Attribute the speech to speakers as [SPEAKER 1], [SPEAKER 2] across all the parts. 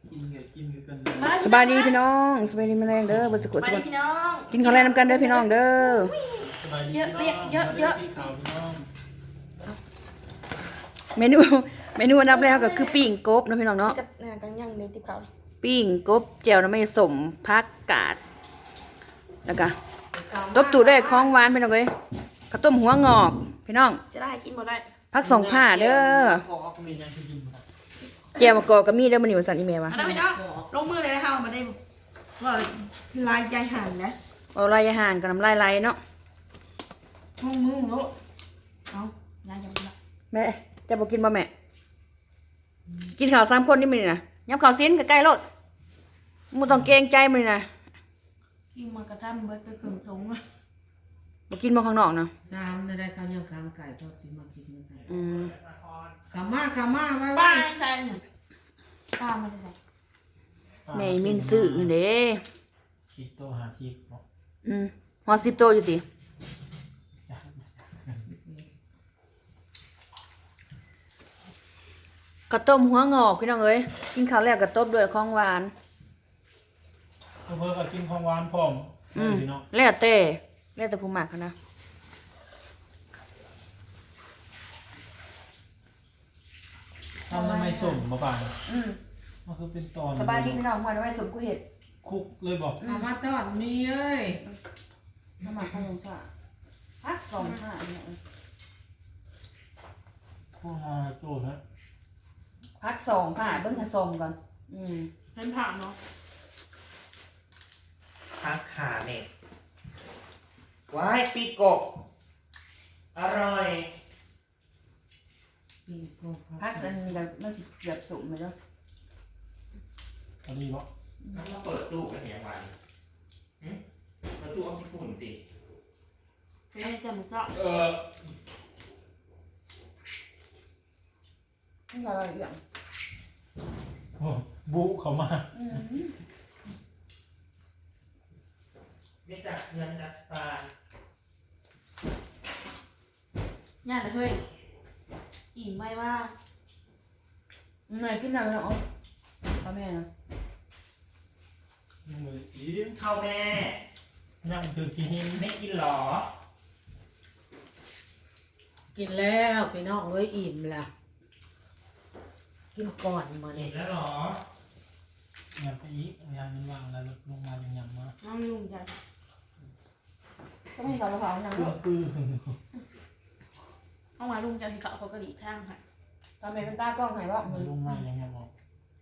[SPEAKER 1] กินกับกินกัน
[SPEAKER 2] สบายดีพี่น้องสบายดีแมลงเด้อบ่สุข
[SPEAKER 3] ไป
[SPEAKER 2] ทุกคน
[SPEAKER 3] พี่น้อง
[SPEAKER 2] กินข้าวแรงน้ำกันเด้อพี่น้องเด้อ
[SPEAKER 1] สบายดีเยอะข่าวพี่น้อง
[SPEAKER 2] เมนูอันดับแรกก็คือปิ้งกบเนาะพี่น้องเนาะ
[SPEAKER 3] กับกันยังในติ๊กเขา
[SPEAKER 2] ปิ้งกบแจ่วน้ำไม่สมผักกาดแล้วก็ตบตู่ด้วยของหวานพี่น้องเอ้ยข้าวต้มหัวงอกพี่น้อง
[SPEAKER 3] จะได้กินหมดได้
[SPEAKER 2] ผักสองผ้าเด้อ
[SPEAKER 1] ก็ออกมียังจะกิน
[SPEAKER 2] แจ่วมะกอกก็มีเด้อมันอยู่สั่นอีเมลวะ
[SPEAKER 3] อันนั้นพี่น้องลงมือเลยนะคะมาได้ว่าลายใจหันนะ
[SPEAKER 2] เอาลายอาหารกับน้ำลายไหลเนาะ
[SPEAKER 3] ลงมือโลเอาลายจะมา
[SPEAKER 2] แม่จะบอกกินบ่แม่กินข้าว3คนนี่มื้อนี้นะยำข้าวซีนใกล้ๆโลดมึงต้องเกรงใจมื้อนี้นะ
[SPEAKER 3] กินมากระทั่งเบิดไปครึ่งถุง
[SPEAKER 2] บ่กินบ่ข้างนอกเนาะ
[SPEAKER 4] ได้ข้าวเหนียวขามไก่ทอดสิมากินกัน
[SPEAKER 2] อืม
[SPEAKER 4] ขามาไว้
[SPEAKER 3] ป้า
[SPEAKER 4] ไว้
[SPEAKER 3] ใส่หนึ่งป้าไม่ได้ใส่
[SPEAKER 2] แม่มินซื้อเด้
[SPEAKER 1] ชีโตหาชีพบอก
[SPEAKER 2] ฮอด10โตอยู่ติกระต้มหัวงอกพี่น้องเอ้ยกินข้าวแล้วก็ต้มด้วยของหวาน
[SPEAKER 1] เพื่อก็กินของหวานพร้อมพี่น้อง
[SPEAKER 2] แล้วแต่ผู้มักนะ
[SPEAKER 1] ทำทำไมส่งมาบ้างมันคือเป็นตอน
[SPEAKER 2] สบายดีพี่น้องพอได้ไว้สมกูเห็ด
[SPEAKER 1] คุกเลยบอก
[SPEAKER 4] ขามาทอดมีเอ้ย
[SPEAKER 2] น้ำมันขนมค่ะพัก2 ผ้าเนี่ย
[SPEAKER 1] พวกมาโจ้ฮะ
[SPEAKER 2] พัก2 ผ้าเบิ่งให้ส่งก่อน
[SPEAKER 3] เป็นผักเนาะ
[SPEAKER 5] พักขาเนี่ยว้ายปีกบอร่อย
[SPEAKER 4] ปีกโก
[SPEAKER 2] พักอันนี้ก็มันสิเกือบสุกเลยเนาะ
[SPEAKER 1] พอดีบอก
[SPEAKER 5] มาเปิดตู้กันอย่างไรเปิดตู้เอาญี่ปุ่นติ
[SPEAKER 3] เป็นจมูกเจาะ
[SPEAKER 2] นี่ก็อะไรอย่าง
[SPEAKER 1] บุเขามา
[SPEAKER 5] ไม่จักเงินจักปลา
[SPEAKER 3] ง่ายเลยเฮ้ยอิ่มไม่ว่า
[SPEAKER 2] ไหนกินอะไรเนาะพ่อแม่เนาะ
[SPEAKER 1] มืออีก
[SPEAKER 5] เข้าแม่
[SPEAKER 1] นั่งคือกิน
[SPEAKER 5] ไม่กินหรอ
[SPEAKER 4] กินแล้วพี่น้องเอ้ยอิ่มละกินก่อนมา
[SPEAKER 5] เห็
[SPEAKER 4] เนี่ย
[SPEAKER 5] นแล้วหรอ
[SPEAKER 1] ยำไปอีกยำมันวางแล้วลงมาอย่างยำมา
[SPEAKER 3] น้องลุงจัน
[SPEAKER 2] ก็ไม่ใส่กระเพราอย่าง
[SPEAKER 1] ปื้
[SPEAKER 2] เนาะ
[SPEAKER 1] ปื้อ
[SPEAKER 3] เอามาลุงจันที่เขากระดิ่งข้างค่ะ
[SPEAKER 2] ตอนแม่เป็นตากล้องให้บ่
[SPEAKER 1] ลงมาอย่างยำบอก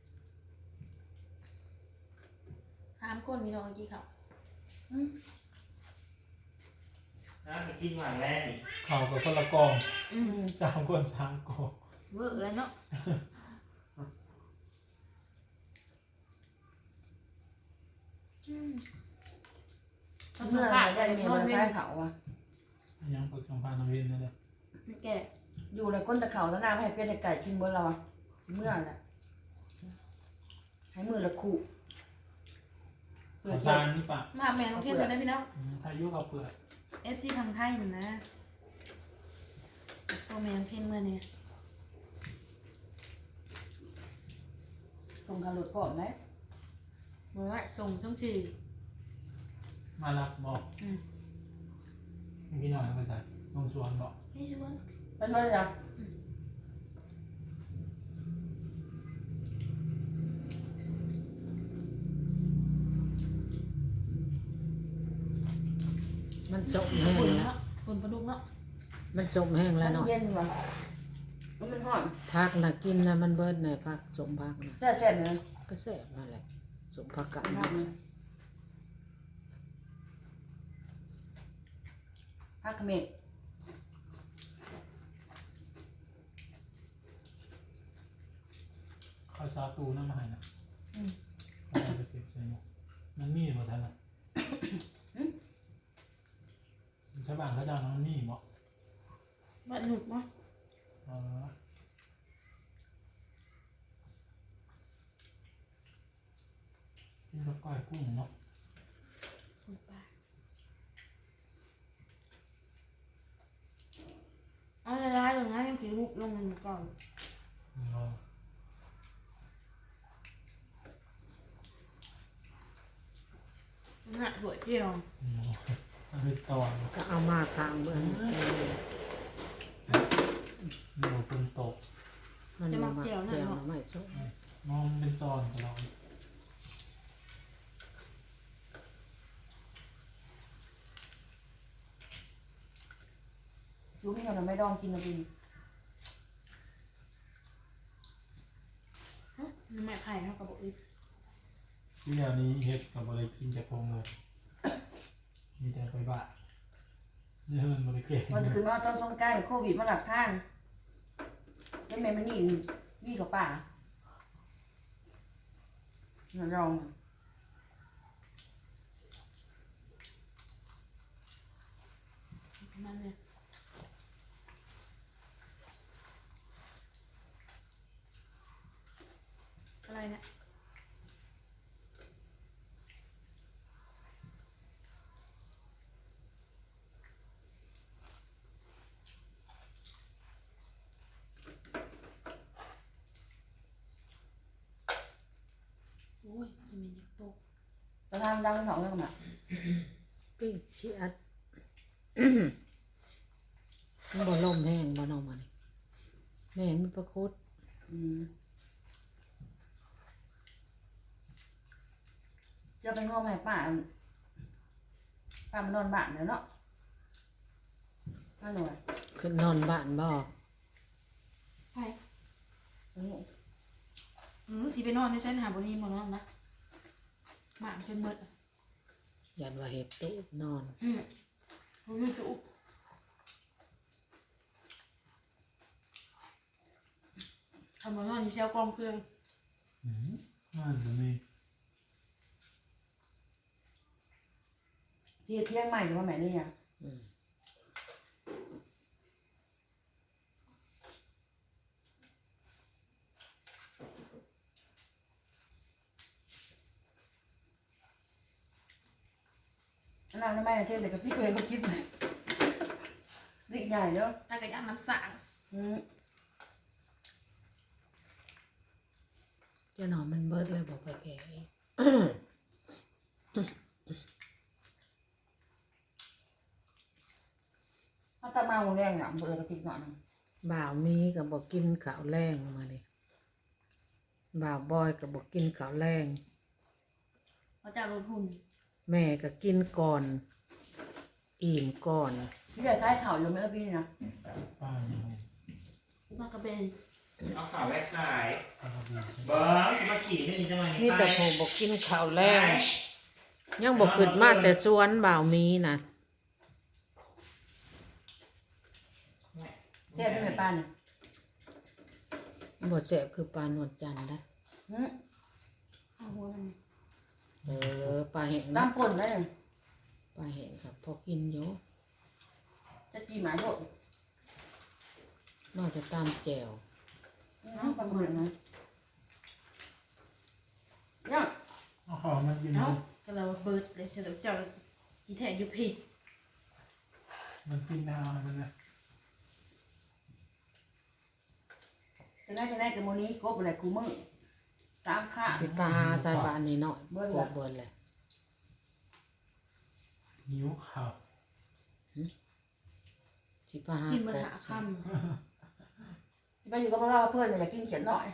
[SPEAKER 3] 3 คนมีน้องกี่เขา
[SPEAKER 5] นะไปกินหวานแรกนี่
[SPEAKER 1] ข่าวกับคนละกอง3 คน3 กอง
[SPEAKER 3] เวอร์เลยเนาะ
[SPEAKER 2] เมื่อไหร่ได้เมียมันใช้เขาอ่ะ
[SPEAKER 1] ยังฝึกสัมพันธ์น้ำเย็นนั่นแหละ
[SPEAKER 3] ไม่แก่
[SPEAKER 2] อยู่ในก้นตะเขาแล้วน้ำให้เป็ดไก่กินเบิ่เราอ่ะเมื่อแหละให้มือละคู่เปลือก
[SPEAKER 1] สารนี่ปะ
[SPEAKER 3] มาแม่น้องเทียนเลยนะพี่น้อง
[SPEAKER 1] ทายุเขาเปลือก
[SPEAKER 3] FC ทางไทยนะตัวแม่น้องเทียนเมื่อเนี่ย
[SPEAKER 2] ส่งการหลุดก่อนไหม
[SPEAKER 3] บอกว่าส่งต้องจี
[SPEAKER 1] มารับบอกพี่หน่อยไปใส่ลงสวนบอก
[SPEAKER 3] พี่ชวน
[SPEAKER 2] ไปช่วยจ้ะ
[SPEAKER 4] มันจมแห้ง
[SPEAKER 3] คน
[SPEAKER 4] แล้ว
[SPEAKER 3] เนาะคนประดุกเนาะ
[SPEAKER 4] มันจมแห้งแล้วเนาะ
[SPEAKER 2] เย็นว่ะมันห่อน
[SPEAKER 4] พักนะกินนะมันเบิดในพักสมพักนะ
[SPEAKER 2] แซ่บๆเลย
[SPEAKER 4] ก็แซ่บมาแหละสมพักกัน
[SPEAKER 2] พักเลยพักเขมร
[SPEAKER 1] ข้าวซาตูน้ำมาให้นะเอาไปเก็บใส่หมวกมันมีหมดท่านนะชาวบ้านเขาจะมันมีบอก
[SPEAKER 3] บ้านหนุกเนาะ
[SPEAKER 1] ที่เขาก้อยกุ้งเนาะ
[SPEAKER 3] เอาละลายลงนะยังกินลูกลงก่อน
[SPEAKER 1] รอ
[SPEAKER 3] หนักสวยเพียว
[SPEAKER 1] มันเป็นตอน
[SPEAKER 4] ก็เอามาค้างเบื้อง
[SPEAKER 1] หนูเป็นตก
[SPEAKER 4] มันมาเกี่ยวไม่ชอบ
[SPEAKER 1] มองเป็นตอนของเรา
[SPEAKER 2] รู้พี่เราไม่ดองกินนะบิน
[SPEAKER 3] ไม่ไผ่เท่ากับบอกอีก
[SPEAKER 1] ที่เดี๋ยวนี้เฮ็ดกับบริกินจะพงเลยมีแต่ไปบ้าเนี่ยมันบริเก่ง
[SPEAKER 2] วันจะถึงว่าต้นสงกรานต์โควิดมาหลักทางได้แม่มันนี่กับป่าเราลอง
[SPEAKER 3] มันเนี่ยอะไรเนี่ยโอ้ยจะมีอยากตก
[SPEAKER 2] จะทำดังสองเรื่องกันอ่ะ
[SPEAKER 4] ปิ้งชีอัดมันบ่ลมแห้งบ่นองมันแม่มันประคุด
[SPEAKER 2] จะไปง้อแม่ป้ามันนอนบ้านแล้วเนาะน่าหน่อย
[SPEAKER 4] ขึ้นนอนบ้านบ่
[SPEAKER 3] ไผ่สิไปนอนในชั้นหาบนนี้มานอนนะหมาเป็นเบิด
[SPEAKER 4] ยันว่าเห็ดตู้นอน
[SPEAKER 3] ผมไม่จุกทำมานอนอยู่เช้ากองเครื่อง
[SPEAKER 1] น่าจะมี
[SPEAKER 2] ที่เที่ยงใหม่หรือว่าแม่นี่ยัง
[SPEAKER 4] อืม
[SPEAKER 2] นั่งได้ไหมเที่ยงแต่กับพี่เคยก็คิดเลยดิใหญ่เนาะ
[SPEAKER 3] ถ้าเกิดย่างน้ำสาง
[SPEAKER 4] เจะนอนมันเบิดเลยบอกไปแก่อีก
[SPEAKER 2] ถ้าตามาหัวแรงอ่ะเบอร์กระติกหน่อยนึง
[SPEAKER 4] บ่าวมีกับบอกกินข้าวแรงมาเลยบ่าวบอยกับบอกกินข้าวแรง
[SPEAKER 3] เขาจะลดหุ่น
[SPEAKER 4] แม่ก็กินก่อน อิ่มก่อน
[SPEAKER 2] พี่จะใช้เข่าอยู่ไหมพี่นี่นะ
[SPEAKER 1] ป้ายังไง
[SPEAKER 3] มากระเบน
[SPEAKER 5] เอาข่าวแรกขาย
[SPEAKER 1] ป้าก็ดี
[SPEAKER 5] เบิ้งจะมาขี่ได้ยังไง
[SPEAKER 4] นี่แต่ผมบอกกินข้าวแรงยังบอกขึ้นมาแต่สวนบ่าวมีนะ
[SPEAKER 2] เสียบด้วยแม่ป้าเนี่ย
[SPEAKER 4] บ่แสบคือปลานวลจันทร์นะ
[SPEAKER 3] เอาหัวมัน
[SPEAKER 4] ปลาแห้งนะ
[SPEAKER 2] น้ำป่นได้เลย
[SPEAKER 4] ปลาแห้งครับพอกินอยู่
[SPEAKER 2] จะจีหมาโดด
[SPEAKER 4] นอกจากตามแจ่ว
[SPEAKER 2] ปลาหมึกนะยัง
[SPEAKER 1] เอาของมากิน
[SPEAKER 3] เอ้าก็เราเบิดเลยจะเจ้าอีแทนอยู่พี่
[SPEAKER 1] มันกินเอามันนะ
[SPEAKER 2] จะได้กับโมนี้กบอะไรกูมือสามข้า
[SPEAKER 4] สิปลาหาใส่ปลาอันนี้หน่อย
[SPEAKER 2] เบิ่ง
[SPEAKER 4] ก
[SPEAKER 2] ล่ะ
[SPEAKER 4] บเบิ่นเลย
[SPEAKER 1] หิวข่าว
[SPEAKER 4] สิปลาหา
[SPEAKER 3] กินมัน
[SPEAKER 4] กบ
[SPEAKER 3] หาค
[SPEAKER 2] ไปอยู่กับเราเพื่อนอยากกินเขียนหน่อย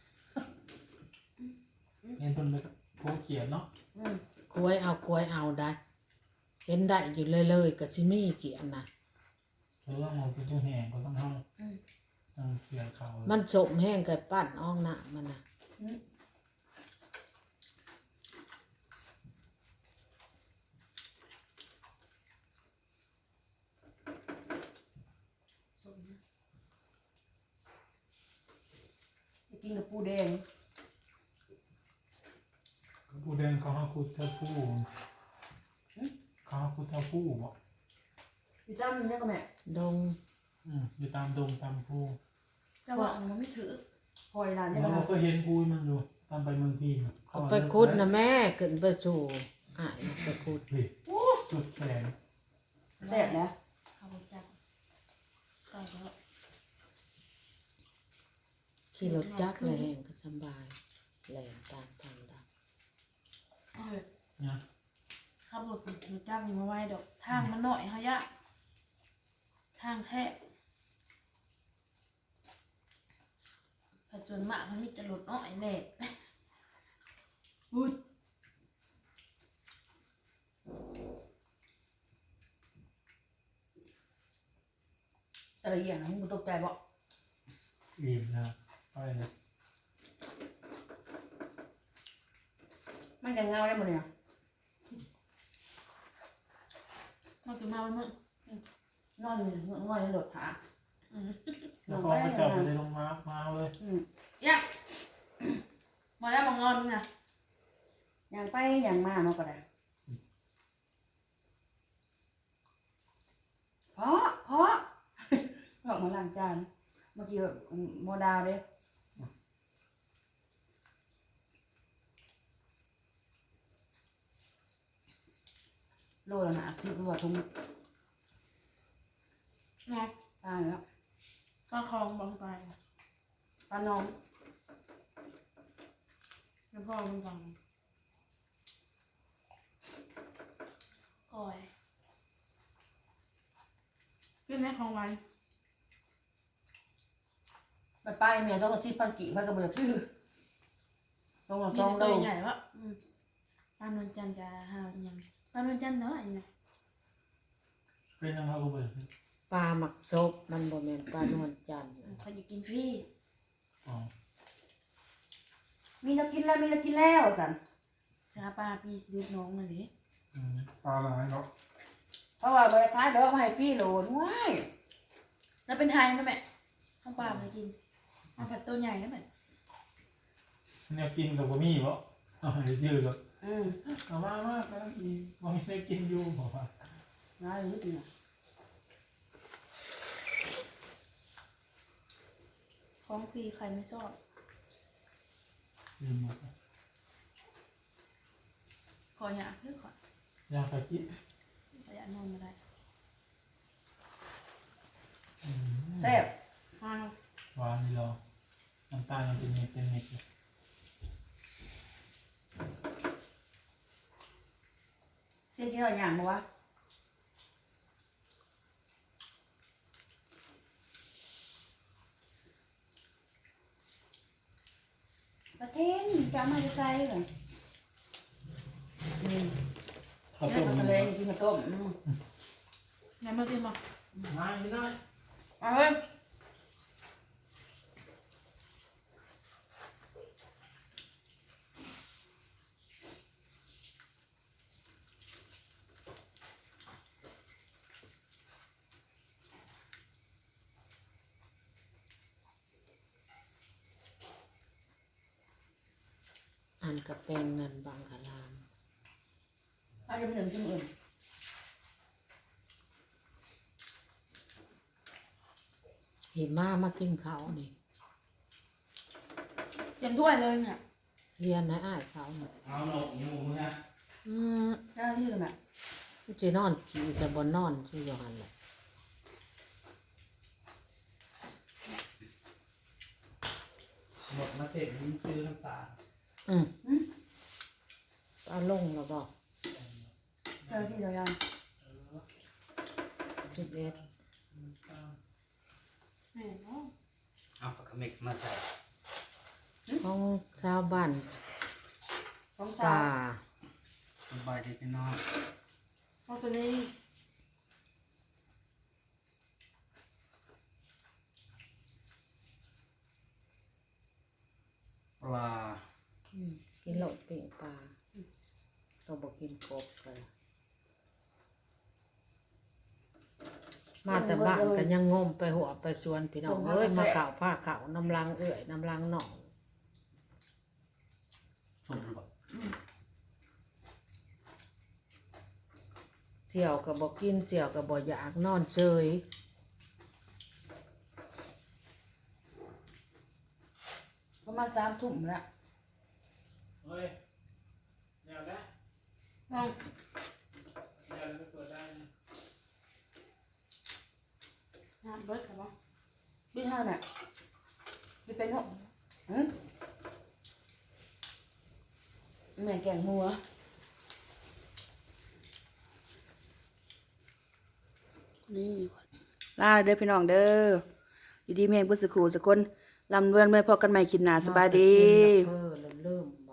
[SPEAKER 1] เห็นต้นเลยโคเขียนเนาะ
[SPEAKER 4] กล้วยเอาได้ เห็นได้อยู่เลยๆกับชิมี่เกียนนะ
[SPEAKER 1] เรื่องมันเป็นตัวแห้งก็ต้องห้องต้องเขียนข่าว
[SPEAKER 4] มันสมแห้งกับปั้นอ่องหน้ามันนะ
[SPEAKER 2] กินกับปูแดง
[SPEAKER 1] ผู้แดงเขาให้คุดเท่าผู้เขาให้คุดเท่าผู้บ่
[SPEAKER 2] พี่ตั้มเนี่ยก็แม่
[SPEAKER 4] ดง
[SPEAKER 1] อยู่ตามดงตามผู้
[SPEAKER 3] ำจะว่ามันไม่ถือ
[SPEAKER 2] คอยร้านเนี่ย
[SPEAKER 1] เรา
[SPEAKER 2] นะ
[SPEAKER 1] ก็เห็นผู้มันอยู่ตามไปเมืองพีน
[SPEAKER 4] เอาไปคุดนะแม่ขึ้นไปสู่อ่ายไปคุด
[SPEAKER 1] สุดแขน
[SPEAKER 2] แซ่บนะ
[SPEAKER 3] เขาจับใส่แล้ว
[SPEAKER 4] ขี่รถจักรเลยแห้งก็สบายแหลมตามทางด
[SPEAKER 3] เอาเลย
[SPEAKER 1] เนี่ย
[SPEAKER 3] ขับรถอยู่จ้างอยู่มาไว้ดอกทางมันหน่อยเฮายะทางแคบผจญมากมันมีจะหลุดน้อยแน่อุ้ย
[SPEAKER 2] แต่ละอย่างนะมึงตกใจบ่
[SPEAKER 1] อิ่มนะไปเลย
[SPEAKER 2] มันจะเงาได้หมดเนี่ย
[SPEAKER 3] มันคือมาวันมื้อน
[SPEAKER 2] อนง่อยในรถผา
[SPEAKER 1] แล้วพอไปจับไปเลยลงมาเลย
[SPEAKER 3] ยังมาแล้วมางอนมึงนะ
[SPEAKER 2] อย่างไปอย่างมาเนาะก็ได้เพราะบอกมาล้างจานเมื่อกี้โมดาวเด้โลละหนาคือว่าทุ่ง
[SPEAKER 3] เนาะ
[SPEAKER 2] ตายแล้ว
[SPEAKER 3] ก็คลองบางไป
[SPEAKER 2] ปลาน้อง
[SPEAKER 3] แล้วพ่อมึงจังก่อยขึ้นในของวัน
[SPEAKER 2] ไปเมียต้องเอาที่ปันกี่ไปกับเบือชื่อต้องเอา
[SPEAKER 3] มี
[SPEAKER 2] จอง
[SPEAKER 3] ตั
[SPEAKER 2] โล
[SPEAKER 3] วใหญ่วะปลานวลจันทร์จะหาอย่างปลานวลจันทร์เนาะอันนี้
[SPEAKER 1] เป็นยังไงกูเปิด
[SPEAKER 4] ปลาหมักซบมันบ่แม่นปลานวลจันทร์
[SPEAKER 3] เขาจะกินฟรี
[SPEAKER 1] อ๋อ
[SPEAKER 2] มีเรากินแล้วสัน
[SPEAKER 3] สาปลาปีดูดน้องนั่นดิ
[SPEAKER 1] ปลาอะไรเนาะ
[SPEAKER 2] เพราะว่าบริษัทเลิกมาให้พี่โหลดว้าย
[SPEAKER 3] แล้วเป็นไทยนะแม่ข้าวปลาไปกินเอาผัดตัวใหญ่นะแม่
[SPEAKER 1] เนี่ยกินกับบะหมี่เพราะยืดเลย
[SPEAKER 2] อืม
[SPEAKER 1] เอามากแล้วอีบะหมี่ได้กินอยู่บอกว่า
[SPEAKER 2] น่ารู้ดีนะ
[SPEAKER 3] ของฟรีใครไม่ชอบ
[SPEAKER 1] ลืมหมด
[SPEAKER 3] ขออย่าเพื่อขอย
[SPEAKER 1] าสกิ
[SPEAKER 3] ขออย่านอนมาได้
[SPEAKER 2] แซ่บ
[SPEAKER 3] มาเนาะ
[SPEAKER 1] หวานดีรอน้ำตาลยังเป็นเม็ดเลย
[SPEAKER 2] เส้นที่เราอย่างบอกว่าประเทศนี่จะเอามาใส่เหรอ
[SPEAKER 1] ข้าว
[SPEAKER 2] เนี่
[SPEAKER 1] ต้
[SPEAKER 2] ย
[SPEAKER 1] ม
[SPEAKER 2] ทะเลกินข้าวต้ม
[SPEAKER 3] ไหนมากินมา
[SPEAKER 1] มาไม่ได้
[SPEAKER 2] เอาเว้ย
[SPEAKER 4] อันกับเป็นเงินบางคลาม
[SPEAKER 2] เอาจะไปถึงที่อื่น
[SPEAKER 4] หิมามากินเขาวนี่
[SPEAKER 3] เตรียมถ้วยเลยเนี่ย
[SPEAKER 4] เรียนให้อ้ายเขานี่
[SPEAKER 1] เอาหนกอย่างมึงนะ
[SPEAKER 2] เจ้าที่เลยแม่
[SPEAKER 4] จะนอนขี่จะบนนอนชื่ออยู่หันแหละ
[SPEAKER 1] หมดมาเตะยิ้มซื้อน้ำตาล
[SPEAKER 4] ปลาลงแล้วบอก
[SPEAKER 2] เจ้าที่เรายัง
[SPEAKER 4] 11
[SPEAKER 3] แม่เนาะ
[SPEAKER 5] เอาปลากระเม็กมาใส่
[SPEAKER 4] ของชาวบ้าน
[SPEAKER 2] ของ
[SPEAKER 4] ป่า
[SPEAKER 2] ตา
[SPEAKER 5] สบายดีพี่น้อง
[SPEAKER 3] เอาตัวนี้
[SPEAKER 5] ปลา
[SPEAKER 4] กินโลดปิ่งปลาต้องบอกกินกบกันมาแต่บ้านก็ยังงมไปหัวไปชวนพี่น้องเอ้ยมาข่าวผ้าข่าวน้ำลังเอื่อยน้ำลังหนอง
[SPEAKER 5] ชมก่อน
[SPEAKER 4] เสี่ยวกับบอกกินเสี่ยวกับบอกอยากนอนเฉย
[SPEAKER 2] ประมาณ3 ทุ่มแล้ว
[SPEAKER 1] เฮ้ยเดี๋ยวนะ
[SPEAKER 3] เอา
[SPEAKER 1] เดี๋ยวเราเปิดได้นะ
[SPEAKER 3] น้ำเบิดครับบ่
[SPEAKER 2] บินห้าแม่บินเป็นหกแม่แกงหัว
[SPEAKER 3] นี่
[SPEAKER 2] ลาเด้อพี่น้องเด้ออยู่ดีแม่งเพิ่นสิขู่สักคนลำเลื่อนเมื่อพอกันใหม่คลิปหน้าสบายดี
[SPEAKER 4] เริ่ม